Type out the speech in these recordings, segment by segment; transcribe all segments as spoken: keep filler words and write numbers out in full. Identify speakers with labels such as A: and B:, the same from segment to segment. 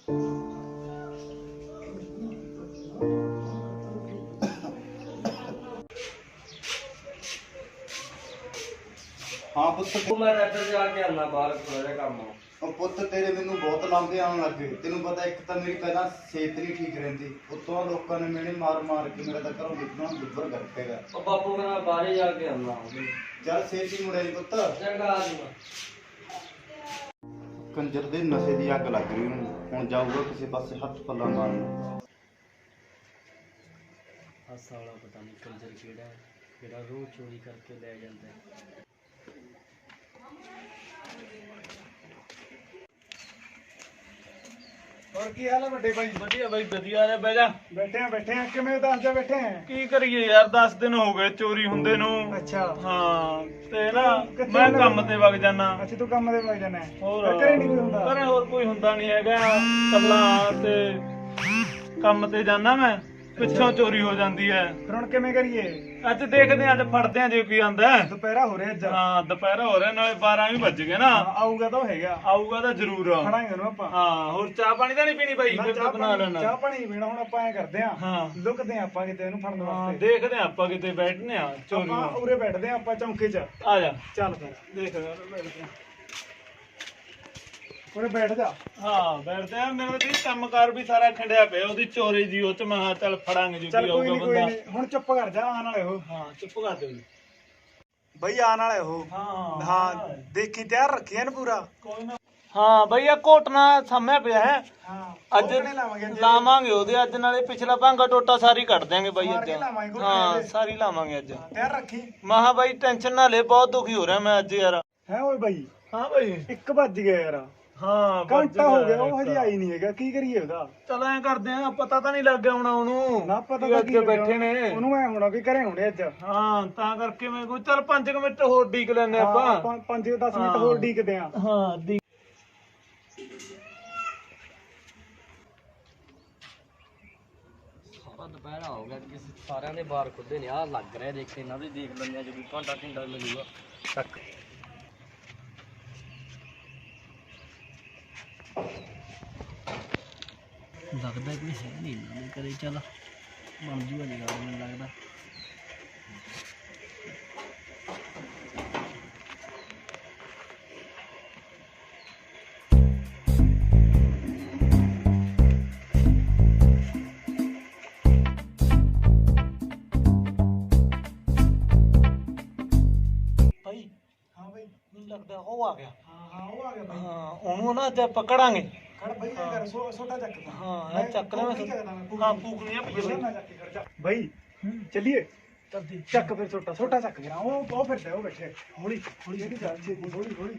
A: हाँ पुत्त
B: मैं इधर जाके आना बाहर थोड़ा काम
A: पुत्त तेरे मैनू बहुत लांभे आउण लग गए। तेनू पता एक तो मेरी पहला सेहत नहीं ठीक रहिंदी, उत्तों लोगों ने मेरे मार मार के मेरा तो घरों निकलना दुब्बर कर देगा।
B: बापू मैं बाहर ही जाके आना
A: चल सेहत ही मुड़े पुत्त
B: चंगा आ जाऊंगा।
A: कंजर दे नशे दी अग लग रही हूँ, हुण जाऊगा किसी पासे हथ पल्ला मारन।
B: आ साला पता नहीं कंजर केड़ा है जेड़ा रोज चोरी करके ले जाता है।
C: और की हाल है बड़े भाई?
D: ਵਧੀਆ ਬਾਈ ਵਧੀਆ ਨੇ। ਬਹਿ ਜਾ।
C: बैठे हैं बैठे हैं किमें ਦੱਸ ਜਾ बैठे हैं।
D: ਕੀ ਕਰੀਏ ਯਾਰ, ਦਸ ਦਿਨ ਹੋ ਗਏ ਚੋਰੀ ਹੁੰਦੇ ਨੂੰ।
C: ਅੱਛਾ
D: ਹਾਂ ਤੇ ਨਾ
C: ਕਿੱਥੇ
D: ਮੈਂ
C: ਹੁੰਦਾ?
D: ਕੰਮ ਤੇ ਵਗ ਜਾਣਾ।
C: ਅੱਛਾ ਤੂੰ ਕੰਮ ਤੇ ਵਗ ਜਾਣਾ ਹੈ।
D: ਹੋਰ
C: ਘਰੇ ਨਹੀਂ ਕੋਈ ਹੁੰਦਾ?
D: ਘਰੇ ਹੋਰ ਕੋਈ ਹੁੰਦਾ ਨਹੀਂ ਹੈਗਾ, ਕੱਲਾ ਤੇ ਕੰਮ ਤੇ ਜਾਣਾ ਮੈਂ, ਪਿੱਛੋਂ ਚੋਰੀ ਹੋ ਜਾਂਦੀ ਹੈ।
C: ਫਿਰ ਹੁਣ ਕਿਵੇਂ ਕਰੀਏ?
D: ਅੱਜ ਦੇਖਦੇ ਆਂ, ਅੱਜ ਫੜਦੇ ਆਂ ਜੇ ਕੋਈ ਆਂਦਾ।
C: ਦੁਪਹਿਰਾ ਹੋ ਰਿਹਾ ਅੱਜ।
D: ਹਾਂ ਦੁਪਹਿਰਾ ਹੋ ਰਿਹਾ, ਨਾਲੇ ਬਾਰਾਂ ਵੀ ਵੱਜ ਗਏ ਨਾ।
C: ਹਾਂ, ਆਊਗਾ ਤਾਂ ਉਹ ਹੈਗਾ,
D: ਆਊਗਾ ਤਾਂ ਜ਼ਰੂਰ।
C: ਫੜਾਂਗੇ ਉਹਨੂੰ ਆਪਾਂ।
D: ਹਾਂ ਹੋਰ ਚਾਹ ਪਾਣੀ ਤਾਂ ਨਹੀਂ ਪੀਣੀ ਬਾਈ?
C: ਨਾ,
D: ਫਿਰ
C: ਚਾਹ
D: ਬਣਾ
C: ਪਾਣੀ
D: ਲੈਣਾ।
C: ਚਾਹ ਪਾਣੀ ਨਹੀਂ ਪੀਣਾ। ਹੁਣ ਆਪਾਂ ਐ ਕਰਦੇ ਆਂ,
D: ਹਾਂ
C: ਲੁਕਦੇ ਆਂ ਆਪਾਂ ਕਿਤੇ ਇਹਨੂੰ ਫੜਨ
D: ਹਾਂ
C: ਵਾਸਤੇ।
D: ਦੇਖਦੇ ਆਂ ਆਪਾਂ ਕਿਤੇ ਬੈਠਨੇ ਆ ਚੋਰੀ
C: ਆਪਾਂ
D: ਨੂੰ।
C: ਉਰੇ ਬੈਠਦੇ ਆਂ ਆਪਾਂ ਚੌਂਕੇ 'ਚ।
D: ਆ ਜਾ
C: ਚੱਲ ਫਿਰ
D: ਦੇਖ ਬੈਠਦੇ ਆਂ।
C: ਉਰੇ ਬੈਠ ਜਾ।
D: ਹਾਂ ਬੈਠਦੇ ਆ। ਮੇਰਾ ਤੇ ਕੰਮਕਾਰ ਵੀ ਸਾਰਾ ਖੰਡਿਆ ਪਿਆ ਉਹਦੀ ਚੋਰੀ ਦੀ। ਉਹ ਚ ਮੈਂ ਕਿਹਾ ਚੱਲ ਫੜਾਂਗੇ ਜੋ
C: ਚੱਲ
D: ਵੀ
C: ਕੋਈ
D: ਆਊਗਾ
C: ਨਹੀਂ ਕੋਈ
D: ਬੰਦਾ।
C: ਨਹੀਂ, ਹੁਣ ਚੁੱਪ ਕਰ ਜਾ। ਆਣ ਵਾਲੇ ਉਹ।
D: ਹਾਂ ਚੁੱਪ ਕਰ ਦਿਓ ਜੀ।
C: ਬਈ ਆਣ ਵਾਲੇ ਉਹ।
D: ਹਾਂ
C: ਹਾਂ ਦੇਖੀ ਤਿਆਰ ਰੱਖੀ ਐਨ ਪੂਰਾ।
D: ਕੋਈ ਨਾ। ਹਾਂ ਬਈ ਇਹ ਕੋਟਣਾ ਸਾਹਮਣੇ ਪਿਆ ਹੈ।
C: ਹਾਂ
D: ਅੱਜ
C: ਕੋਕਣੇ ਲਾਵਾਂਗੇ ਅੱਜ।
D: ਲਾਵਾਂਗੇ ਉਹਦੇ ਅੱਜ, ਨਾਲੇ ਪਿਛਲਾ ਭਾਂਗਾ ਟੋਟਾ ਸਾਰੀ ਕੱਢ ਦਿਆਂਗੇ ਬਾਈ
C: ਮਾਰ
D: ਅੱਜ।
C: ਕੇ ਲਾਵਾਂਗੇ ਕੋਕਣੇ
D: ਹਾਂ
C: ਦੇ।
D: ਸਾਰੀ ਲਾਵਾਂਗੇ ਅੱਜ।
C: ਤਿਆਰ ਰੱਖੀ।
D: ਮਹਾ ਬਾਈ ਟੈਨਸ਼ਨ ਨਾ ਲੈ, ਬਹੁਤ ਦੁਖੀ ਹੋ ਰਿਹਾ ਮੈਂ ਅੱਜ ਯਾਰ।
C: ਹੈ ਓਏ ਬਾਈ
D: ਹਾਂ ਬਾਈ।
C: ਇੱਕ ਵੱਜ ਗਿਆ ਯਾਰ।
D: ਹਾਂ
C: ਘੰਟਾ ਹੋ ਗਿਆ, ਉਹ ਹਜੇ ਆਈ ਨਹੀਂ ਹੈਗਾ। ਕੀ ਕਰੀਏ ਉਹਦਾ?
D: ਚਲ ਐ ਕਰਦੇ ਆ, ਪਤਾ ਤਾਂ ਨਹੀਂ ਲੱਗ ਗਿਆ ਹੋਣਾ ਉਹਨੂੰ।
C: ਨਾ ਪਤਾ
D: ਵੀ
C: ਤਾਂ
D: ਅੱਜ
C: ਕੀ
D: ਬੈਠੇ ਨੇ।
C: ਉਹਨੂੰ ਐ ਹੋਣਾ ਵੀ ਘਰੇ ਹੋਣੇ ਅੱਜ।
D: ਹਾਂ ਤਾਂ ਕਰਕੇ ਮੈਂ ਕੋਈ ਚੱਲ ਪੰਜ ਕੁ ਮਿੰਟ ਹੋਰ ਡੀਕ ਲੈਨੇ
C: ਹਾਂ,
D: ਆਪਾਂ।
C: ਆਪਾਂ ਪੰਜ ਦਸ ਮਿੰਟ
D: ਹਾਂ।
C: ਹੋਰ ਡੀਕਦੇ ਆਂ।
D: ਹਾਂ ਡੀ
B: ਸਾਰਾ ਦੁਪਹਿਰਾ ਹੋ ਗਿਆ ਕਿ ਸਾਰਿਆਂ ਦੇ ਬਾਹਰ ਖੁੱਦੇ ਨੇ। ਆ ਲੱਗ ਰਿਹਾ ਦੇਖ ਇਹਨਾਂ ਦੇ ਦੇਖ ਲੈਂਦੇ ਆ ਜਦੋਂ ਘੰਟਾ ਘੰਟਾ ਮਿਲੂਗਾ ਤੱਕ। ਲੱਗਦਾ ਕੋਈ ਹੈ ਨਹੀਂ ਇਹਨਾਂ ਦੇ ਘਰੇ। ਚੱਲ ਬਣ ਜੂਗਾ ਜੀ ਗੱਲ ਮੈਨੂੰ ਲੱਗਦਾ।
D: ਭਾਈ
C: ਹਾਂ ਬਾਈ।
D: ਮੈਨੂੰ ਲੱਗਦਾ ਉਹ ਆ ਗਿਆ।
C: ਹਾਂ ਹਾਂ ਉਹ ਆ ਗਿਆ ਬਾਈ।
D: ਹਾਂ ਉਹਨੂੰ ਨਾ ਅੱਜ ਪਕੜਾਂਗੇ।
C: ਖੜ ਬਾਈ ਐ ਕਰ ਸੋ ਛੋਟਾ ਚੱਕ ਤਾ।
D: ਹਾਂ ਇਹ ਚੱਕ ਲੈ ਮੈਂ। ਹਾਂ ਫੂਕਣੀ ਆ ਪਿੱਛੇ
C: ਨਾ ਚੱਕ ਕੇ ਖੜ ਜਾ ਬਾਈ। ਚੱਲੀਏ
D: ਚੱਲਦੀ।
C: ਚੱਕ ਫਿਰ ਛੋਟਾ ਛੋਟਾ ਚੱਕ ਗਿਆ। ਉਹ ਉਹ ਫਿਰਦਾ ਉਹ ਬੈਠੇ। ਹੌਲੀ ਹੌਲੀ ਜਿਹੜੀ ਜਾ ਛੇਤੀ ਹੌਲੀ ਹੌਲੀ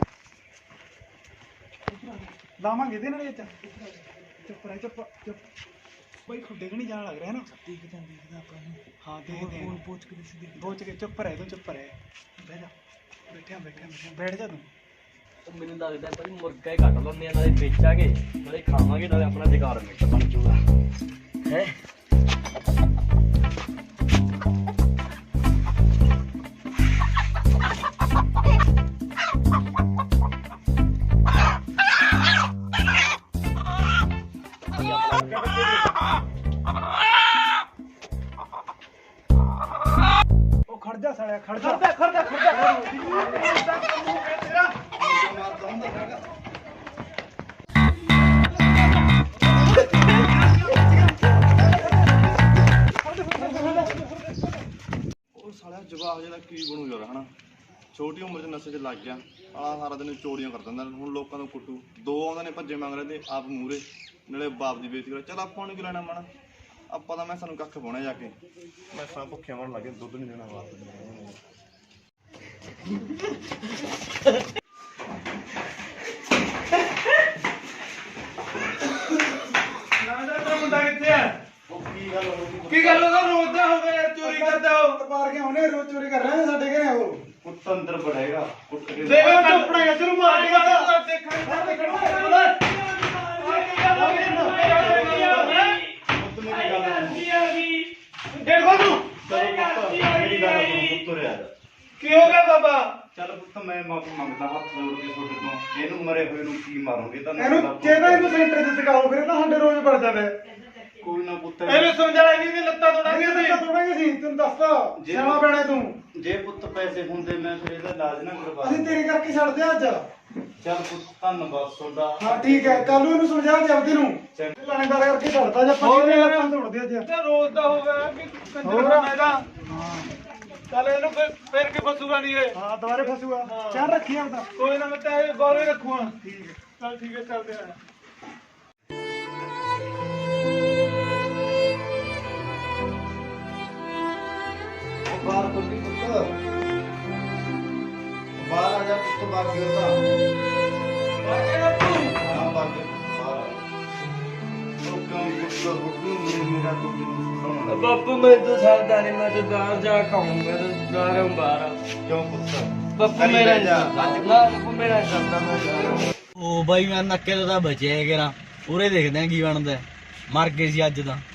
C: ਲਾਵਾਂਗੇ ਇਹਦੇ ਨਾਲ ਇਹ ਚ। ਚੁੱਪ ਰਹਿ ਚੁੱਪ ਚੁੱਪ। ਬਾਈ ਖੁੱਡੇ ਕਿ ਨਹੀਂ ਜਾਣ ਲੱਗ ਰਿਹਾ ਨਾ। ਦੇਖ ਜਾਂ ਦੇਖਦਾ ਆਪਾਂ ਨੂੰ। ਹਾਂ ਦੇਖਦੇ ਆਂ। ਪੋਚ ਕੇ ਦਿਸਦੀ ਪੋਚ ਕੇ। ਚੁੱਪ ਰਹਿ ਤੂੰ ਚੁੱਪ ਰਹਿ। ਬਹਿ ਜਾ। ਬੈਠਿਆ ਬੈਠਿਆ ਬੈਠਿਆ ਬੈਠ ਜਾ ਤੂੰ।
B: ਉਹ ਮੈਨੂੰ ਲੱਗਦਾ ਭਾਈ ਮੁਰਗਾ ਹੀ ਕੱਟ ਲੈਂਦੇ ਆ, ਨਾਲੇ ਵੇਚਾਂਗੇ ਨਾਲੇ ਖਾਵਾਂਗੇ ਨਾਲੇ ਆਪਣਾ ਜੁਗਾੜ ਮਿੱਟ ਬਣ ਜੂਗਾ ਹੈ।
C: ਉਹ ਖੜ ਜਾ ਸਾਲਿਆ ਖੜ ਜਾ ਖੜ ਜਾ ਖੜ ਜਾ।
A: ਉਹ ਸਾਲਿਆ ਜਵਾਬ ਜਿਹੜਾ ਕੀ ਬਣੂ ਯਾਰ ਹਨਾ। ਛੋਟੀ ਉਮਰ 'ਚ ਨਸ਼ੇ 'ਚ ਲੱਗ ਗਿਆ ਆ, ਸਾਰਾ ਦਿਨ ਚੋਰੀਆਂ ਕਰ ਦਿੰਦਾ। ਹੁਣ ਲੋਕਾਂ ਨੂੰ ਕੁੱਟੂ। ਦੋ ਆਉਂਦੇ ਨੇ ਭੱਜੇ ਮੰਗ ਰਹੇ ਤੇ ਆਪ ਮੂਹਰੇ, ਨਾਲੇ ਬਾਪ ਦੀ ਬੇਇੱਜ਼ਤੀ ਕਰ। ਚੱਲ ਆਪਾਂ ਨੂੰ ਕੀ ਲੈਣਾ ਮਾਣਾ, ਆਪਾਂ ਤਾਂ ਮੈਂ ਸਾਨੂੰ ਕੱਖ ਪਾਉਣਾ ਜਾ ਕੇ। ਮੈਂ ਸਾਂ ਭੁੱਖਿਆਂ ਮਰਨ ਲੱਗੇ, ਦੁੱਧ ਨਹੀਂ ਦੇਣਾ ਵਾਸਤੇ।
D: ਮੁੰਡਾ ਕਿੱਥੇ ਆ?
A: ਉਹ ਕੀ ਗੱਲ ਹੋ ਗਈ?
D: ਕੀ ਗੱਲ ਉਹਦਾ ਰੋਜ਼ ਦਾ ਹੋ ਗਿਆ ਚੋਰੀ ਕਰਦਾ ਉਹ।
C: ਪਾਰ ਕੇ ਆਉਣੇ ਰੋਜ਼ ਚੋਰੀ ਕਰ ਰਹੇ ਨੇ ਸਾਡੇ ਘਰੇ। ਉਹ
A: ਕੁੱਟ ਅੰਦਰ ਬੜੇਗਾ, ਕੁੱਟ ਕੇ
D: ਦੇਖੋ ਚੁੱਪਣਾ ਇਧਰ ਮਾਰ ਕੇ ਦੇਖਾਂ ਦੇਖੋ ਤੂੰ
A: ਮੇਰੀ ਗੱਲ ਸੁਣ, ਤੁਰਿਆ ਜਾ।
D: ਕੀ ਹੋ ਗਿਆ ਬਾਬਾ?
A: ਚੱਲ
E: ਪੁੱਤ ਮੈਂ ਮਾਫੀ ਮੰਗਦਾ ਹੱਥ ਜੋੜ ਕੇ ਤੁਹਾਡੇ ਤੋਂ। ਇਹਨੂੰ ਮਰੇ ਹੋਏ ਨੂੰ ਕੀ ਮਾਰੋਗੇ ਤਾਂ
C: ਇਹਨੂੰ ਕਿਹਦਾ ਇਹਨੂੰ ਸੈਂਟਰ 'ਚ ਟਿਕਾਓ ਫਿਰ ਨਾ ਸਾਡੇ ਰੋਜ਼ ਵੜ ਜਾਵੇ
E: ਕੋਈ ਨਾ ਪੁੱਤ
D: ਇਹਨੂੰ ਸਮਝਾ ਨਹੀਂ ਦੀ ਲੱਤਾਂ ਤੋੜਾਂਗੇ
C: ਨਹੀਂ
D: ਅਸੀਂ
C: ਤਾਂ ਤੋੜਾਂਗੇ ਸੀ ਤੈਨੂੰ ਦੱਸਦਾ ਸਿਆਣਾ ਪੈਣਾ ਤੂੰ
E: ਜੇ ਪੁੱਤ ਪੈਸੇ ਹੁੰਦੇ ਮੈਂ ਫਿਰ ਇਹਦਾ ਇਲਾਜ ਨਾ ਕਰਵਾ
C: ਅਸੀਂ ਤੇਰੇ ਕਰਕੇ ਛੱਡਦੇ ਆ ਅੱਜ
E: ਚੱਲ ਪੁੱਤ ਧੰਨਵਾਦ ਤੁਹਾਡਾ।
C: ਹਾਂ ਠੀਕ ਹੈ ਕੱਲ ਨੂੰ ਇਹਨੂੰ ਸਮਝਾ ਦੇ ਆਪਦੇ ਨੂੰ ਲਾਣੇਦਾਰ ਕਰਕੇ ਛੱਡਦਾ ਜੇ ਆਪਾਂ ਇਹਨੇ ਲੱਤਾਂ ਤੋੜਦੇ ਅੱਜ
D: ਤੇ ਰੋਜ਼ ਦਾ ਹੋ ਗਿਆ ਕਿ ਕੰਜਰ ਖਾਨਾ ਇਹਦਾ ਚੱਲ ਇਹਨੂੰ ਫਿਰ ਫਿਰ ਕੇ ਫਸੂਗਾ ਨਹੀਂ ਇਹ
C: ਹਾਂ ਦੁਬਾਰੇ ਫਸੂਗਾ ਚਾਹ ਰੱਖੀ ਆਪਦਾ
D: ਕੋਈ ਨਾ ਮੈਂ ਤਾਂ ਇਹ ਗੌਰੇ ਰੱਖੂਗਾ ਠੀਕ ਹੈ ਚੱਲ ਠੀਕ ਹੈ ਚੱਲਦੇ ਆ
E: ਬਾਹਰ ਖੋਲੀ ਪੁੱਤ ਬਾਹਰ ਆ ਜਾ ਪੁੱਤ ਬਾਹਰ ਗਿਰਦਾ ਹਾਂ ਬਾਹਰ ਬਾਹਰ ਉਹ ਕੰਮ ਪੁੱਤ ਹੁਕਮ ਮੇਰਾ ਤੋਂ ਸੁਣੋ
B: ਬਾਪੂ ਮੈਂ ਤਾਂ ਸਾਦਾ ਨਹੀਂ ਮੈਂ ਤਾਂ ਬਾਹਰ ਜਾ ਖਾਉਂਗਾ ਤੇ ਬਾਹਰੋਂ ਬਾਹਰ
E: ਕਿਉਂ ਪੁੱਤ
B: ਬਾਪੂ ਮੇਰਾ ਜਾ ਬਾਪੂ ਮੇਰਾ ਜਾਂਦਾ ਮੈਂ ਜਾ ਰਿਹਾ
F: ਉਹ ਬਾਈ ਮੈਂ ਨੱਕੇ ਤੋਂ ਤਾਂ ਬਚਿਆ ਕਿਰਾ ਪੂਰੇ ਦੇਖਦੇ ਆ ਕੀ ਬਣਦਾ ਮਰ ਗਏ ਸੀ ਅੱਜ ਤਾਂ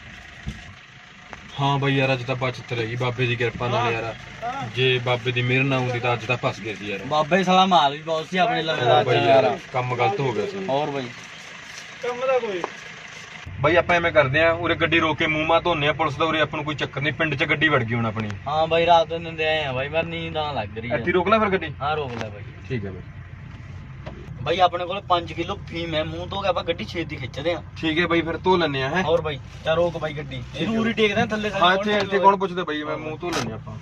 G: ਹਾਂ ਬਈ ਯਾਰ ਅੱਜ ਤਾਂ ਬਚਤ ਰਹੀ ਬਾਬੇ ਦੀ ਕਿਰਪਾ ਨਾਲ ਯਾਰ ਜੇ ਬਾਬੇ ਦੀ ਮਿਹਰ ਨਾ ਹੁੰਦੀ ਤਾਂ ਅੱਜ ਤਾਂ ਫਸ ਗਏ ਸੀ ਯਾਰ
F: ਬਾਬੇ ਸਾਲਾ ਮਾਲ ਵੀ ਬਹੁਤ ਸੀ ਆਪਣੇ ਲਵੇ ਦਾ
G: ਬਈ ਯਾਰ ਕੰਮ ਗਲਤ ਹੋ ਗਿਆ ਸੀ
F: ਹੋਰ ਬਾਈ
D: ਕੰਮ ਦਾ ਕੋਈ
G: ਬਈ ਆਪਾਂ ਐਵੇਂ ਕਰਦੇ ਆ ਉਰੇ ਗੱਡੀ ਰੋਕ ਕੇ ਮੂੰਹ ਮਾ ਧੋਨੇ ਆ ਪੁਲਿਸ ਦਾ ਉਰੇ ਆਪਾਂ ਨੂੰ ਕੋਈ ਚੱਕਰ ਨਹੀਂ ਪਿੰਡ 'ਚ ਗੱਡੀ ਵੜ ਗਈ ਹੁਣ ਆਪਣੀ
F: ਹਾਂ ਬਾਈ ਰਾਤ ਨੂੰ ਨਿੰਦੇ ਆਏ ਆ ਬਾਈ ਮੈਂ ਨੀਂਦ ਆਉਣ ਲੱਗ ਰਹੀ
G: ਇੱਥੇ
F: ਹੈ
G: ਰੋਕ ਲੈ ਫਿਰ ਗੱਡੀ
F: ਹਾਂ ਰੋਕ ਲੈ ਬਾਈ
G: ਠੀਕ ਹੈ ਬਈ
F: ਬਾਈ ਆਪਣੇ ਕੋਲ ਪੰਜ ਕਿਲੋ ਫੀਮ ਹੈ ਮੂੰਹ ਤੋਂ ਆਪਾਂ ਗੱਡੀ ਛੇਤੀ ਖਿੱਚਦੇ ਆ
G: ਠੀਕ ਹੈ ਬਈ ਫਿਰ ਧੋ ਲੈਨੇ ਆ ਹੈ
F: ਹੋਰ ਬਾਈ ਚਾ ਰੋਕ ਬਾਈ ਗੱਡੀ ਇਹਨੂੰ ਉਰੀ ਟੇਕਦੇ ਆ ਥੱਲੇ
G: ਹਾਂ ਇੱਥੇ ਇੱਥੇ ਕੌਣ ਪੁੱਛਦਾ ਬਈ ਮੈਂ ਮੂੰਹ ਧੋ ਲੈਨੇ ਆਪਾਂ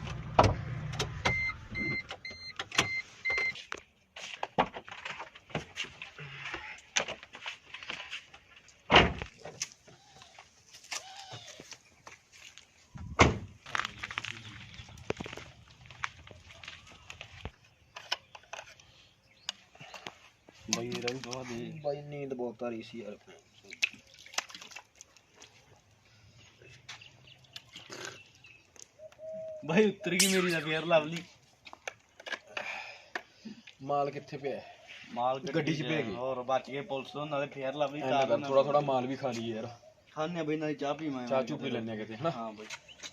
F: ਬਾਈ ਰਹੀ ਦਵਾ ਦੇ ਬਾਈ ਨੀਂਦ ਬਹੁਤ ਆ ਰਹੀ ਸੀ ਯਾਰ ਬਾਈ ਉੱਤਰ ਗਈ ਮੇਰੀ ਦਾ ਫੇਰ ਲਵਲੀ
G: ਮਾਲ ਕਿੱਥੇ ਪਿਆ
F: ਮਾਲ
G: ਗੱਡੀ 'ਚ ਪੈ ਗਈ।
F: ਹੋਰ ਬਚ ਗਏ ਪੁਲਿਸ ਤੋਂ ਨਾਲੇ ਫੇਰ ਲਵਲੀ
G: ਥੋੜਾ ਥੋੜਾ ਮਾਲ ਵੀ ਖਾ ਲਈਏ ਯਾਰ
F: ਖਾਣੇ ਆ ਬਈ ਨਾਲੇ ਚਾਹ ਪੀਵਾਂ
G: ਚਾਹ ਚੂ ਪੀ ਲੈਨੇ ਆ ਕਿਤੇ ਹਨਾ
F: ਹਾਂ ਬਾਈ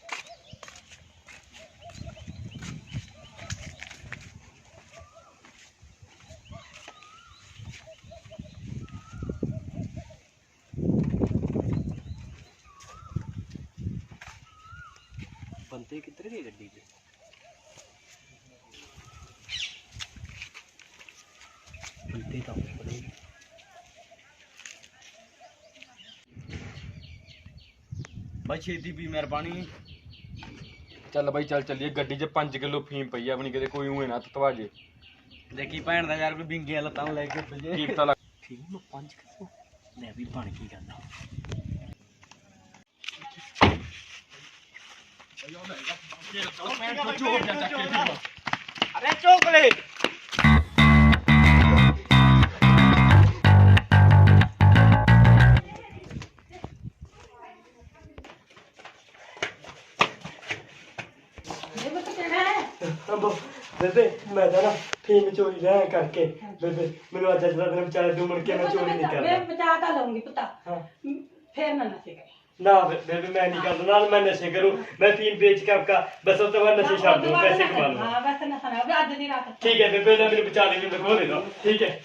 F: ਬੰਦੇ ਕਿੱਧਰ ਗਏ ਗੱਡੀ 'ਚ ਬੰਦੇ ਤਾਂ ਬੜੇ ਬਾਈ ਛੇਤੀ ਪੀ ਮੇਰ ਪਾਣੀ
G: ਚੱਲ ਬਾਈ ਚੱਲ ਚੱਲੀਏ ਗੱਡੀ 'ਚ ਪੰਜ ਕਿਲੋ ਫੀਮ ਪਈ ਆ ਆਪਣੀ ਕਿਤੇ ਕੋਈ ਊਂ ਨਾ ਤਤਵਾ ਜੇ
F: ਦੇਖੀ ਭੈਣ ਦਾ ਯਾਰ ਕੋਈ ਬਿੰਗੀਆਂ ਲੱਤਾਂ ਨੂੰ ਲੈ ਕੇ ਭਜੇ
G: ਕੀ ਪਤਾ ਲੱਗ
F: ਠੀਕ ਨੂੰ ਪੰਜ ਕਿਲੋ ਲੈ ਵੀ ਬਣ ਕੀ ਕਰਨਾ
D: ਅਰੇ ਚੋਕਲੇਟ
B: ਬੇਬੇ ਮੈਂ ਤਾਂ ਨਾ ਫੀਮ ਚੋਰੀ ਰਹਿ ਕਰਕੇ ਬੇਬੇ ਮੈਨੂੰ ਅੱਜ ਅੱਜ ਦਾ ਦਿਨ ਵਿਚਾਰੇ ਦੋ ਮੁੜ ਕੇ ਮੈਂ ਚੋਰੀ ਨਹੀਂ ਕਰਦਾ
H: ਮੈਂ ਬਚਾ ਤਾਂ ਲਊਂਗੀ ਪੁੱਤਾ
B: ਹਾਂ
H: ਫੇਰ ਨਾ ਨਸ਼ੇ ਕਰੇ
B: ਨਾ ਬੇ- ਬੇਬੇ ਮੈਂ ਨਹੀਂ ਕਰਦਾ ਨਾਲ ਮੈਂ ਨਸ਼ੇ ਕਰੂੰ ਮੈਂ ਫੀਮ ਵੇਚ ਕੇ ਆਪਕਾ ਬਸ ਉਸ ਤੋਂ ਬਾਅਦ ਨਸ਼ੇ ਛੱਡ ਦੂੰ ਪੈਸੇ ਕਮਾ ਲੂੰ
H: ਹਾਂ ਬਸ ਨਸ਼ਾ ਨਾ ਅੱਜ ਦੀ ਰਾਤ
B: ਠੀਕ ਹੈ ਬੇਬੇ ਨਾ ਮੈਨੂੰ ਬਚਾ ਦੇ ਮੈਨੂੰ ਖੋ ਦੇ ਦੋ ਠੀਕ ਹੈ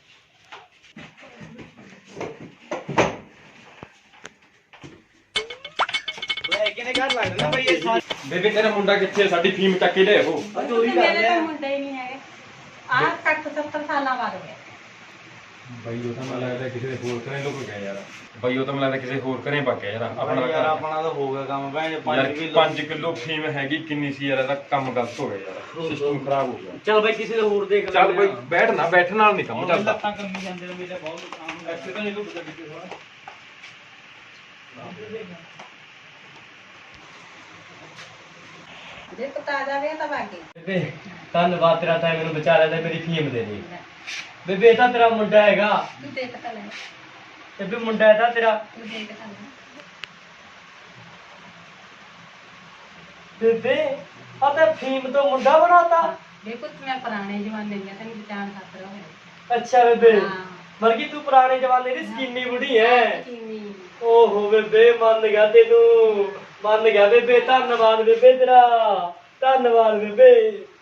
F: ਲੈ ਕਿਨੇ ਘਰ ਲੱਗਦਾ ਨਾ ਬਈ ਇਹ
G: ਬੇਬੇ ਤੇਰਾ ਮੁੰਡਾ ਕਿੱਥੇ ਆ? ਸਾਡੀ ਫੀਮ ਚੱਕ ਕੇ ਲਿਆਓ
H: ਚੋਰੀ ਕਰਦੇ ਆ ਮੁੰਡੇ ਹੀ ਨਹੀਂ ਹੈਗੇ ਆਹ ਕੱਟ ਸੱਤਰ ਸਾਲਾਂ ਬਾਅਦ ਹੋਇਆ
G: ਬਾਈ ਉਹ ਤਾਂ ਮੈਨੂੰ ਲੱਗਦਾ ਕਿਸੇ ਦੇ ਹੋਰ ਘਰੇ ਲੁਕ ਗਿਆ ਯਾਰ ਬਾਈ ਉਹ ਤਾਂ ਮੈਨੂੰ ਲੱਗਦਾ ਕਿਸੇ ਹੋਰ ਘਰੇ ਪਾ ਗਿਆ ਯਾਰ ਆਪਣਾ
F: ਯਾਰ ਆਪਣਾ ਤਾਂ ਹੋ ਗਿਆ ਕੰਮ ਭੈਣ
G: ਯਾਰ
F: ਪੰਜ ਕਿਲੋ
G: ਪੰਜ ਕਿਲੋ ਫੀਮ ਹੈਗੀ ਕਿੰਨੀ ਸੀ ਯਾਰ ਇਹਦਾ ਕੰਮ ਗਲਤ ਹੋ ਗਿਆ ਯਾਰ ਸਿਸਟਮ ਖਰਾਬ ਹੋ ਗਿਆ
B: ਚੱਲ ਬਾਈ ਕਿਸੇ ਦੇ ਹੋਰ ਦੇਖ
G: ਚੱਲ ਬਾਈ ਬੈਠ ਨਾ ਬੈਠਣ ਨਾਲ ਨਹੀਂ ਕੰਮ ਚੱਲਦਾ
F: ਲੱਤਾਂ ਕੰਮੀ ਜਾਂਦੇ ਨੇ ਮੇਰੇ ਬਹੁਤ ਨੁਕਸਾਨ
D: ਐਸੇ ਤਾਂ ਨਹੀਂ ਲੁੱਟ ਗੱਡੀ ਥੋੜਾ
H: ਜੇ ਪੁੱਤਾ ਆ ਜਾਵੇ ਤਾਂ ਬਾਕੀ
B: ਬੇਬੇ ਧੰਨਵਾਦ ਤੇਰਾ ਤਾਂ ਮੈਨੂੰ ਬਚਾ ਲਿਆ ਤੇ ਮੇਰੀ ਫੀਮ ਦੇ ਦੇ ਬੇਬੇ ਇਹ ਤਾਂ ਤੇਰਾ ਮੁੰਡਾ ਹੈਗਾ
H: ਤੂੰ ਦੇਖ ਤਾਂ ਲੈ
B: ਬੇਬੇ ਮੁੰਡਾ ਹੈ ਤਾਂ ਤੇਰਾ
H: ਤੂੰ ਦੇਖ ਤਾਂ ਲੈ
B: ਬੇਬੇ ਆ ਤਾਂ ਫੀਮ ਤੋਂ ਮੁੰਡਾ ਬਣਾਤਾ
H: ਦੇਖੋ ਮੈਂ ਪੁਰਾਣੇ ਜ਼ਮਾਨੇ ਦੀਆਂ ਤੈਨੂੰ ਬਚਾਉਣ ਖਾਤਰ ਹੋਇਆ
B: ਅੱਛਾ ਬੇਬੇ
H: ਹਾਂ
B: ਮਰ ਗਈ ਤੂੰ ਪੁਰਾਣੇ ਜਮਾਨੇ ਦੀ ਸਕੀਨੀ ਬੁੜੀ ਐ
H: ਕਿੰਨੀ
B: ਓਹੋ ਬੇਬੇ ਮੰਨ ਗਿਆ ਤੈਨੂੰ ਮੰਨ ਗਿਆ ਬੇਬੇ ਧੰਨਵਾਦ ਬੇਬੇ ਤੇਰਾ ਧੰਨਵਾਦ ਬੇਬੇ